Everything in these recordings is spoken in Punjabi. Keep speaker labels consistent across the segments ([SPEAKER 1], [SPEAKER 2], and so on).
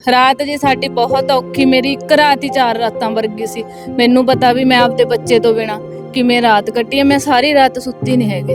[SPEAKER 1] ਰਾਤ ਜੀ ਸਾਡੀ ਬਹੁਤ ਔਖੀ, ਮੇਰੀ ਇੱਕ ਰਾਤ ਹੀ 4 ਰਾਤਾਂ ਵਰਗੀ ਸੀ। ਮੈਨੂੰ ਪਤਾ ਵੀ ਮੈਂ ਆਪਦੇ ਬੱਚੇ ਤੋਂ ਬਿਨਾ ਕਿਵੇਂ ਰਾਤ ਕੱਟੀ ਹੈ। ਮੈਂ ਸਾਰੀ ਰਾਤ ਸੁੱਤੀ ਨਹੀਂ ਹੈਗੀ।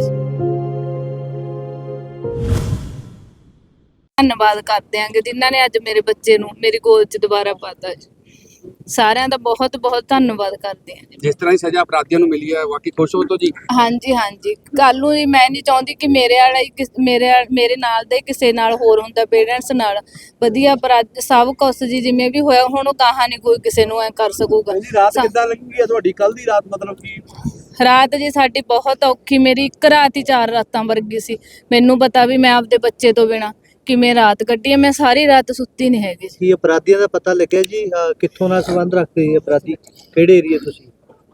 [SPEAKER 1] ਧੰਨਵਾਦ ਕਰਦੇ ਆਂਗੇ ਜਿਨ੍ਹਾਂ ਨੇ ਅੱਜ ਮੇਰੇ ਬੱਚੇ ਨੂੰ ਮੇਰੀ ਗੋਦ 'ਚ ਦੁਬਾਰਾ ਪਾਤਾ ਜੀ। ਸਾਰਿਆਂ ਦਾ ਬਹੁਤ ਬਹੁਤ ਧੰਨਵਾਦ ਕਰਦੇ ਆਂ ਜੀ।
[SPEAKER 2] ਜਿਸ ਤਰ੍ਹਾਂ ਦੀ ਸਜ਼ਾ ਅਪਰਾਧੀਆਂ ਨੂੰ ਮਿਲੀ ਹੈ ਵਾਕਈ ਖੁਸ਼ ਹੋ ਤੋ ਜੀ?
[SPEAKER 1] ਹਾਂਜੀ ਹਾਂਜੀ, ਕੱਲ ਨੂੰ ਜੀ ਮੈਂ ਨਹੀਂ ਚਾਹੁੰਦੀ ਕਿ ਮੇਰੇ ਵਾਲਾ ਹੀ ਮੇਰੇ ਨਾਲ ਦੇ ਕਿਸੇ ਨਾਲ ਹੋਰ ਹੁੰਦਾ, ਪੇਰੈਂਟਸ ਨਾਲ ਵਧੀਆ ਸਭ ਕੁਛ ਜੀ ਜਿਵੇਂ ਵੀ ਹੋਇਆ ਹੁਣ ਉਹ ਗਾਹਾਂ ਨਹੀਂ ਕੋਈ ਕਿਸੇ ਨੂੰ ਐ ਕਰ ਸਕੂਗਾ।
[SPEAKER 3] ਰਾਤ ਕਿੱਦਾਂ ਲੰਘੀ ਹੈ ਤੁਹਾਡੀ ਕੱਲ ਦੀ ਰਾਤ? ਮਤਲਬ ਕਿ
[SPEAKER 1] ਰਾਤ ਜੀ ਸਾਡੀ ਬਹੁਤ ਔਖੀ, ਮੇਰੀ ਇੱਕ ਰਾਤ ਹੀ 4 ਰਾਤਾਂ ਵਰਗੀ ਸੀ। ਮੈਨੂੰ ਪਤਾ ਵੀ ਮੈਂ ਆਪਦੇ ਬੱਚੇ ਤੋਂ ਬਿਨਾ ਕਿਵੇਂ ਰਾਤ ਕੱਟੀ ਹੈ। ਮੈਂ ਸਾਰੀ ਰਾਤ ਸੁੱਤੀ ਨਹੀਂ ਹੈਗੀ।
[SPEAKER 3] ਕੀ ਅਪਰਾਧੀਆਂ ਦਾ ਪਤਾ ਲੱਗਿਆ ਜੀ? ਕਿੱਥੋਂ ਨਾਲ ਸੰਬੰਧ ਰੱਖਦੇ ਇਹ ਅਪਰਾਧੀ? ਕਿਹੜੇ ਏਰੀਆ ਤੁਸੀਂ?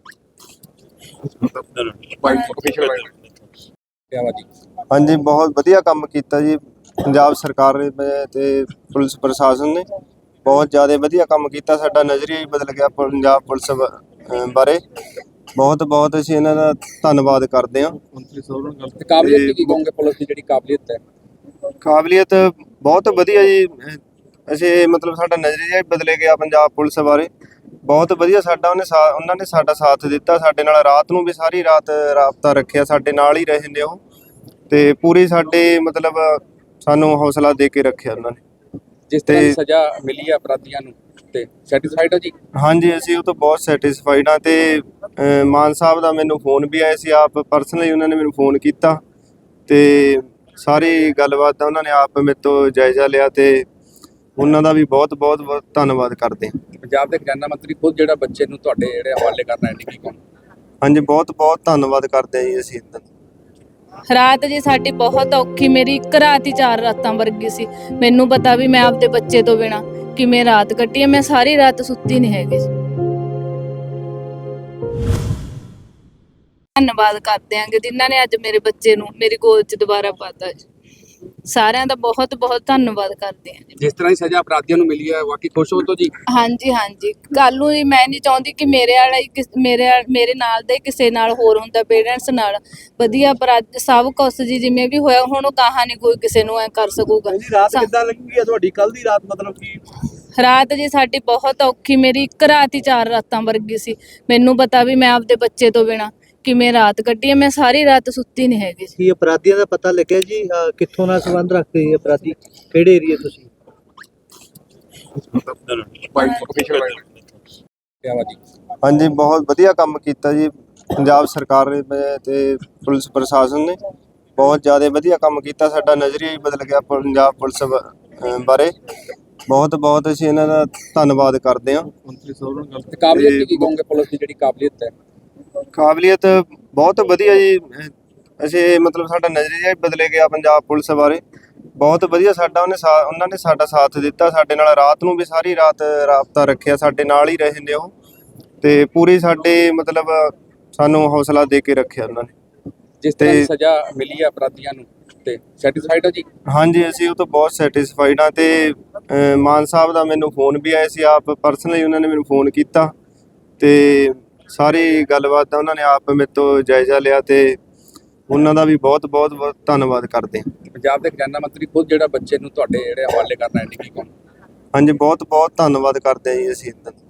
[SPEAKER 4] ਹਾਂਜੀ, ਬਹੁਤ ਵਧੀਆ ਕੰਮ ਕੀਤਾ ਜੀ ਪੰਜਾਬ ਸਰਕਾਰ ਨੇ ਤੇ ਪੁਲਿਸ ਪ੍ਰਸ਼ਾਸਨ ਨੇ। ਬਹੁਤ ਜ਼ਿਆਦਾ ਵਧੀਆ ਕੰਮ ਕੀਤਾ। ਸਾਡਾ ਨਜ਼ਰੀਆ ਹੀ ਬਦਲ ਗਿਆ ਪੰਜਾਬ ਪੁਲਿਸ ਬਾਰੇ। ਬਹੁਤ ਬਹੁਤ ਅਸੀਂ ਇਹਨਾਂ ਦਾ ਧੰਨਵਾਦ ਕਰਦੇ ਹਾਂ।
[SPEAKER 2] ਕਾਬਲੀਅਤ ਕੀ ਕਹੋਗੇ ਪੁਲਿਸ ਦੀ ਜਿਹੜੀ ਕਾਬਲੀਅਤ ਹੈ?
[SPEAKER 4] ਕਾਬਲੀਅਤ ਬਹੁਤ ਵਧੀਆ ਜੀ। ਅਸੀਂ ਮਤਲਬ ਸਾਡਾ ਨਜ਼ਰੀਆ ਹੀ ਬਦਲ ਗਿਆ ਪੰਜਾਬ ਪੁਲਿਸ ਬਾਰੇ। ਬਹੁਤ ਵਧੀਆ ਸਾਡਾ ਉਹਨਾਂ ਨੇ ਸਾਡਾ ਸਾਥ ਦਿੱਤਾ। ਸਾਡੇ ਨਾਲ ਰਾਤ ਨੂੰ ਵੀ ਸਾਰੀ ਰਾਤ ਰਾਬਤਾ ਰੱਖਿਆ। ਸਾਡੇ ਨਾਲ ਹੀ ਰਹੇ ਨੇ ਉਹ, ਤੇ ਪੂਰੀ ਸਾਡੇ ਮਤਲਬ ਸਾਨੂੰ ਹੌਸਲਾ ਦੇ ਕੇ ਰੱਖਿਆ ਉਹਨਾਂ ਨੇ।
[SPEAKER 2] ਜਿਸ ਤਰ੍ਹਾਂ ਦੀ ਸਜ਼ਾ ਮਿਲੀ ਹੈ ਅਪਰਾਧੀਆਂ ਨੂੰ ਤੇ ਸੈਟੀਸਫਾਈਡ ਹੋ ਜੀ?
[SPEAKER 4] ਹਾਂਜੀ, ਅਸੀਂ ਉਹ ਤੋਂ ਬਹੁਤ ਸੈਟੀਸਫਾਈਡ ਹਾਂ। ਤੇ ਮਾਨ ਸਾਹਿਬ ਦਾ ਮੈਨੂੰ ਫੋਨ ਵੀ ਆਇਆ ਸੀ, ਆਪ ਪਰਸਨਲੀ ਉਹਨਾਂ ਨੇ ਮੈਨੂੰ ਫੋਨ ਕੀਤਾ ਤੇ ਸਾਰੀ ਗੱਲਬਾਤ ਦਾ ਉਹਨਾਂ ਨੇ ਆਪ ਮੇਰੇ ਤੋਂ ਜਾਇਜ਼ਾ ਲਿਆ ਤੇ ਉਹਨਾਂ ਦਾ ਵੀ ਬਹੁਤ ਬਹੁਤ ਬਹੁਤ ਧੰਨਵਾਦ ਕਰਦੇ ਹਾਂ।
[SPEAKER 2] ਪੰਜਾਬ ਦੇ ਖਜ਼ਾਨਾ ਮੰਤਰੀ ਖੁਦ ਜਿਹੜਾ ਬੱਚੇ ਨੂੰ ਤੁਹਾਡੇ ਜਿਹੜੇ ਹਵਾਲੇ ਕਰਨਾ ਹੈ ਕੀ ਕਹੋਗੇ?
[SPEAKER 4] ਹਾਂਜੀ, ਬਹੁਤ ਬਹੁਤ ਧੰਨਵਾਦ ਕਰਦੇ ਹਾਂ ਜੀ ਅਸੀਂ ਇਹਨਾਂ ਦਾ।
[SPEAKER 1] ਰਾਤ ਜੀ ਸਾਡੀ ਬਹੁਤ ਔਖੀ, ਮੇਰੀ ਇੱਕ ਰਾਤ ਹੀ 4 ਰਾਤਾਂ ਵਰਗੀ ਸੀ। ਮੈਨੂੰ ਪਤਾ ਵੀ ਮੈਂ ਆਪਦੇ ਬੱਚੇ ਤੋਂ ਬਿਨਾ ਕਿਵੇਂ ਰਾਤ ਕੱਟੀ ਹੈ। ਮੈਂ ਸਾਰੀ ਰਾਤ ਸੁੱਤੀ ਨਹੀਂ ਹੈਗੀ। ਧੰਨਵਾਦ ਕਰਦੇ ਆਂਗੇ ਜਿਨ੍ਹਾਂ ਨੇ ਅੱਜ ਮੇਰੇ ਬੱਚੇ ਨੂੰ ਮੇਰੀ ਗੋਦ 'ਚ ਦੁਬਾਰਾ ਪਾਤਾ ਜੀ। ਸਾਰਿਆਂ ਦਾ ਬਹੁਤ ਬਹੁਤ ਧੰਨਵਾਦ ਕਰਦੇ ਆਂ ਜੀ।
[SPEAKER 2] ਜਿਸ ਤਰ੍ਹਾਂ ਦੀ ਸਜ਼ਾ ਅਪਰਾਧੀਆਂ ਨੂੰ ਮਿਲੀ ਹੈ ਵਾਕਈ ਖੁਸ਼ ਹੋ ਤੋ ਜੀ?
[SPEAKER 1] ਹਾਂਜੀ ਹਾਂਜੀ, ਕੱਲ ਨੂੰ ਜੀ ਮੈਂ ਨਹੀਂ ਚਾਹੁੰਦੀ ਕਿ ਮੇਰੇ ਵਾਲਾ ਹੀ ਮੇਰੇ ਨਾਲ ਦੇ ਕਿਸੇ ਨਾਲ ਹੋਰ ਹੁੰਦਾ, ਪੇਰੈਂਟਸ ਨਾਲ ਵਧੀਆ ਸਭ ਕੁਛ ਜੀ ਜਿਵੇਂ ਵੀ ਹੋਇਆ ਹੁਣ ਉਹ ਗਾਹਾਂ ਨਹੀਂ ਕੋਈ ਕਿਸੇ ਨੂੰ ਐ ਕਰ ਸਕੂਗਾ।
[SPEAKER 3] ਰਾਤ ਕਿੱਦਾਂ ਲੰਘੀ ਹੈ ਤੁਹਾਡੀ ਕੱਲ ਦੀ ਰਾਤ? ਮਤਲਬ ਕਿ
[SPEAKER 1] ਰਾਤ ਜੀ ਸਾਡੀ ਬਹੁਤ ਔਖੀ, ਮੇਰੀ ਇੱਕ ਰਾਤ ਹੀ 4 ਰਾਤਾਂ ਵਰਗੀ ਸੀ। ਮੈਨੂੰ ਪਤਾ ਵੀ ਮੈਂ ਆਪਦੇ ਬੱਚੇ ਤੋਂ ਬਿਨਾ ਕਿਵੇਂ ਰਾਤ ਕੱਟੀ ਹੈ। ਮੈਂ ਸਾਰੀ ਰਾਤ ਸੁੱਤੀ ਨਹੀਂ ਹੈਗੀ।
[SPEAKER 3] ਕੀ ਅਪਰਾਧੀਆਂ ਦਾ ਪਤਾ ਲੱਗਿਆ ਜੀ? ਕਿੱਥੋਂ ਨਾਲ ਸੰਬੰਧ ਰੱਖਦੇ ਇਹ ਅਪਰਾਧੀ? ਕਿਹੜੇ ਏਰੀਆ ਤੁਸੀਂ?
[SPEAKER 4] ਹਾਂਜੀ, ਬਹੁਤ ਵਧੀਆ ਕੰਮ ਕੀਤਾ ਜੀ ਪੰਜਾਬ ਸਰਕਾਰ ਨੇ ਤੇ ਪੁਲਿਸ ਪ੍ਰਸ਼ਾਸਨ ਨੇ। ਬਹੁਤ ਜ਼ਿਆਦਾ ਵਧੀਆ ਕੰਮ ਕੀਤਾ। ਸਾਡਾ ਨਜ਼ਰੀਆ ਹੀ ਬਦਲ ਗਿਆ ਪੰਜਾਬ ਪੁਲਿਸ ਬਾਰੇ। ਬਹੁਤ ਬਹੁਤ ਅਸੀਂ ਇਹਨਾਂ ਦਾ ਧੰਨਵਾਦ ਕਰਦੇ ਹਾਂ।
[SPEAKER 2] ਕਾਬਲੀਅਤ ਕੀ ਕਹੋਗੇ ਪੁਲਿਸ ਦੀ ਜਿਹੜੀ ਕਾਬਲੀਅਤ ਹੈ?
[SPEAKER 4] ਕਾਬਲੀਅਤ ਬਹੁਤ ਵਧੀਆ ਜੀ। ਅਸੀਂ ਮਤਲਬ ਸਾਡਾ ਨਜ਼ਰੀਆ ਹੀ ਬਦਲ ਗਿਆ ਪੰਜਾਬ ਪੁਲਿਸ ਬਾਰੇ। ਬਹੁਤ ਵਧੀਆ ਸਾਡਾ ਉਹਨਾਂ ਨੇ ਸਾਡਾ ਸਾਥ ਦਿੱਤਾ। ਸਾਡੇ ਨਾਲ ਰਾਤ ਨੂੰ ਵੀ ਸਾਰੀ ਰਾਤ ਰਾਬਤਾ ਰੱਖਿਆ। ਸਾਡੇ ਨਾਲ ਹੀ ਰਹੇ ਨੇ ਉਹ, ਤੇ ਪੂਰੀ ਸਾਡੇ ਮਤਲਬ ਸਾਨੂੰ ਹੌਸਲਾ ਦੇ ਕੇ ਰੱਖਿਆ ਉਹਨਾਂ ਨੇ।
[SPEAKER 2] ਜਿਸ ਤਰ੍ਹਾਂ ਦੀ ਸਜ਼ਾ ਮਿਲੀ ਹੈ ਅਪਰਾਧੀਆਂ ਨੂੰ ਤੇ ਸੈਟੀਸਫਾਈਡ ਹੋ ਜੀ?
[SPEAKER 4] ਹਾਂਜੀ, ਅਸੀਂ ਉਹ ਤੋਂ ਬਹੁਤ ਸੈਟੀਸਫਾਈਡ ਹਾਂ। ਤੇ ਮਾਨ ਸਾਹਿਬ ਦਾ ਮੈਨੂੰ ਫੋਨ ਵੀ ਆਇਆ ਸੀ, ਆਪ ਪਰਸਨਲੀ ਉਹਨਾਂ ਨੇ ਮੈਨੂੰ ਫੋਨ ਕੀਤਾ ਤੇ ਸਾਰੀ ਗੱਲਬਾਤ ਦਾ ਉਹਨਾਂ ਨੇ ਆਪ ਮੇਰੇ ਤੋਂ ਜਾਇਜ਼ਾ ਲਿਆ ਤੇ ਉਹਨਾਂ ਦਾ ਵੀ ਬਹੁਤ ਬਹੁਤ ਬਹੁਤ ਧੰਨਵਾਦ ਕਰਦੇ ਹਾਂ।
[SPEAKER 2] ਪੰਜਾਬ ਦੇ ਖਜ਼ਾਨਾ ਮੰਤਰੀ ਖੁਦ ਜਿਹੜਾ ਬੱਚੇ ਨੂੰ ਤੁਹਾਡੇ ਜਿਹੜੇ ਹਵਾਲੇ ਕਰਨਾ ਹੈ ਕੀ ਕਹੋਗੇ?
[SPEAKER 4] ਹਾਂਜੀ, ਬਹੁਤ ਬਹੁਤ ਧੰਨਵਾਦ ਕਰਦੇ ਹਾਂ ਜੀ ਅਸੀਂ ਇਹਨਾਂ ਦਾ।